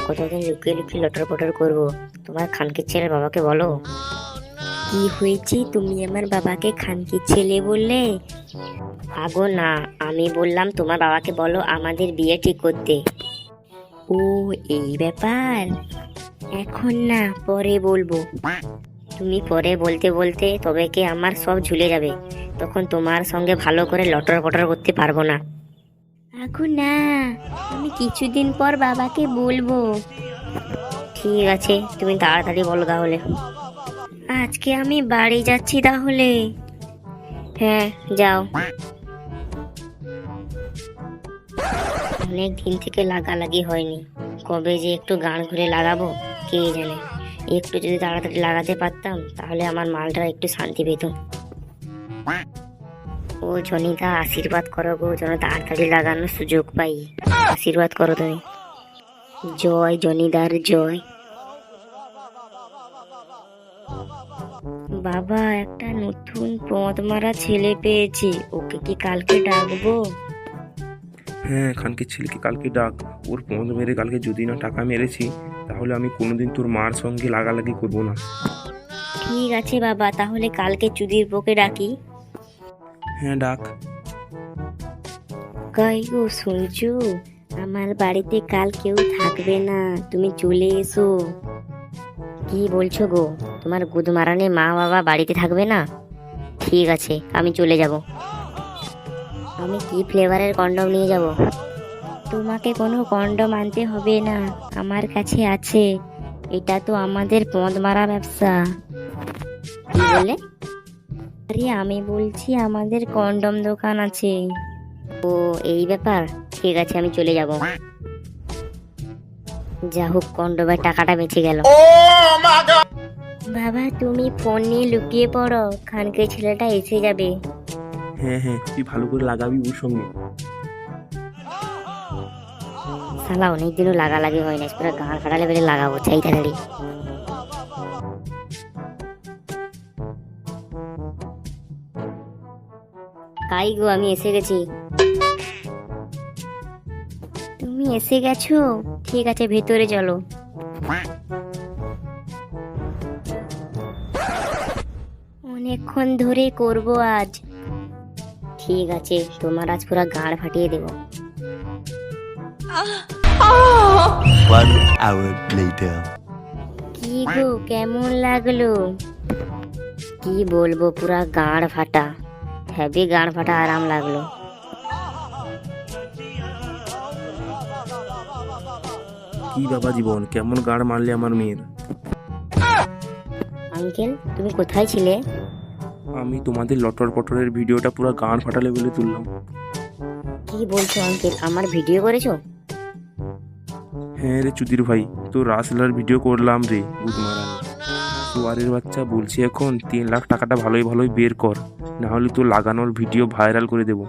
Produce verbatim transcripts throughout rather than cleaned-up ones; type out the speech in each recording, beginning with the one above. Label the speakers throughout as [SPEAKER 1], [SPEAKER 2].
[SPEAKER 1] কতদিন লুকিয়ে লুকিয়ে লটর পটর করবো? তোমার খানকির ছেলের বাবাকে বলো। কি হয়েছে, তুমি আমার বাবাকে খানকির ছেলে বললে? আগো না, আমি বললাম তোমার বাবাকে বলো আমাদের বিয়ে ঠিক করতে। ও এই ব্যাপার, এখন না পরে বলবো। তুমি পরে বলতে বলতে তবে কি আমার সব ঝুলে যাবে, তখন তোমার সঙ্গে ভালো করে লটর পটর করতে পারবো না। এখন না, আমি কিছুদিন পর বাবাকে বলবো। ঠিক আছে, তুমি তাড়াতাড়ি বলো তাহলে। আজকে আমি বাড়ি যাচ্ছি তাহলে। হ্যাঁ যাও। অনেক দিন থেকে লাগালাগি হয়নি, কবে যে একটু গান ঘুরে লাগাবো কে জানে। একটু যদি তাড়াতাড়ি লাগাতে পারতাম তাহলে আমার মালটা একটু শান্তি পেত। ও জনিদা, আশীর্বাদ করো গো, যেন তাড়াতাড়ি লাগানোর সুযোগ পাই। আশীর্বাদ করো তুমি। জয় জনিদার জয়। বাবা, একটা নতুন পদ মারা ছেলে পেয়েছি, ওকে কি কালকে ডাকবো?
[SPEAKER 2] হ্যাঁ, খানকির ছেলেকে কালকে ডাক। ওর পদ মেরে কালকে যদি না টাকা মেরেছি তাহলে আমি কোনোদিন তোর মার সঙ্গে লাগালাগি করবো না।
[SPEAKER 1] ঠিক আছে বাবা, তাহলে কালকে চুদির পোকে ডাকি।
[SPEAKER 2] হ্যাঁ ডাক।
[SPEAKER 1] কই গো শুনছো, আমার বাড়িতে কাল কেউ থাকবে না, তুমি চলে এসো। কি বলছো গো, তোমার গুদমারানে মা বাবা বাড়িতে থাকবে না? ঠিক আছে, আমি চলে যাব। আমি কি ফ্লেভারের কন্ডম নিয়ে যাব? তোমাকে কোনো কন্ডম আনতে হবে না, আমার কাছে আছে। এটা তো আমাদের পদ মারা ব্যবসা। কি বলে? আরে আমি বলছি আমাদের কন্ডম দোকান আছে। ও এই ব্যাপার, ঠিক আছে আমি চলে যাব। যা হোক, কন্ডমের টাকাটা বেঁচে গেল। বাবা, তুমি ফোন নিয়ে লুকিয়ে পড়ো, খানকে ছেলেটা এসে যাবে।
[SPEAKER 2] হ্যাঁ হ্যাঁ, তুই ভালো করে লাগাবি ওর সঙ্গে।
[SPEAKER 1] শালা অনেকদিনও লাগালাগি হয় না, পুরো গাঁড় ফাটালে বেড়ে লাগাবো চাই তাড়াতাড়ি। তাই গো, আমি এসে গেছি। তুমি এসে গেছো? ঠিক আছে, ভেতরে চলো। অনেকক্ষণ ধরে করব আজ। ঠিক আছে, তোমার আজ পুরো গাঁড় ফাটিয়ে দেবো।
[SPEAKER 3] One hour later.
[SPEAKER 1] কি গো, কেমন লাগলো? কি বলবো, পুরা গাঁড় ফাটা, হেভি গাঁড় ফাটা আরাম লাগলো।
[SPEAKER 2] কি বাবা জীবন, কেমন গাড় মারলে আমার মেয়ের।
[SPEAKER 1] আঙ্কেল, তুমি কোথায় ছিলে?
[SPEAKER 2] আমি তোমাদের লটর পটরের ভিডিওটা পুরো গান ফাটালে বলে তুললাম।
[SPEAKER 1] কি বলছো আঙ্কেল, আমার ভিডিও করেছো?
[SPEAKER 2] হ্যাঁ রে চুদির ভাই, তো রাসলার ভিডিও করলাম রে গুদমারান। সোয়ারের বাচ্চা, বলছি এখন তিন লাখ টাকাটা ভালোই ভালোই বের কর, না হলে তো লাগানোর ভিডিও ভাইরাল করে দেবো।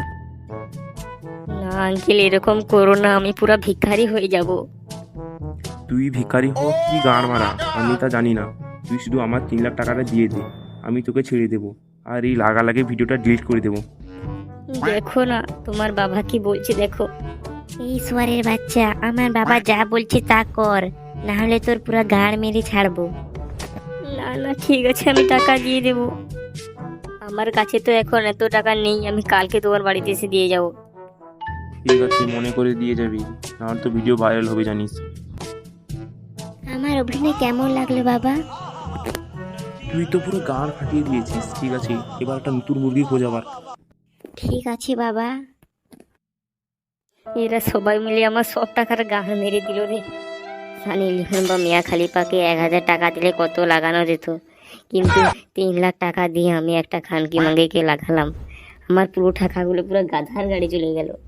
[SPEAKER 1] না আঙ্কেল, এরকম করো না, আমি পুরা ভিখারি হয়ে যাব।
[SPEAKER 2] তুই ভিখারি হ কি গান মারা আমি তা জানি না, তুই শুধু আমার তিন লাখ টাকাটা দিয়ে দে, আমি তোকে ছেড়ে দেবো, আর এই লাগালাগে ভিডিওটা ডিলিট করে দেবো।
[SPEAKER 1] দেখো না তোমার বাবা কি বলছে, দেখো। এই সোয়ারের বাচ্চা, আমার বাবা যা বলছে তা কর, না হলে তোর পুরা গাড় মেরে ছাড়বো। না না, ঠিক আছে, আমি টাকা দিয়ে দেবো। আমার কাছে তো এখন এত টাকা নেই, আমি কালকে তোমার বাড়িতে এসে দিয়ে যাবো।
[SPEAKER 2] ঠিক আছে, মনে করে দিয়ে যাবি, নাহলে তো ভিডিও ভাইরাল হবে জানিস।
[SPEAKER 1] আমার অভিনয় কেমন লাগলো বাবা?
[SPEAKER 2] তুই তো পুরো গান ফাটিয়ে দিয়েছিস। ঠিক আছে, এবার একটা নতুন মুরগি খোঁজ আবার।
[SPEAKER 1] ঠিক আছে বাবা। এরা সবাই মিলে আমার সব টাকার গান মেরে দিল রে। সানি লিখন বা মিয়া খালিপাকে এক হাজার টাকা দিলে কত লাগানো যেত, কিন্তু তিন লাখ টাকা দিয়ে আমি একটা খানকি মাঙ্গিকে লাগালাম, আমার পুরো টাকাগুলো পুরো গাধার গাড়ি চলে গেল।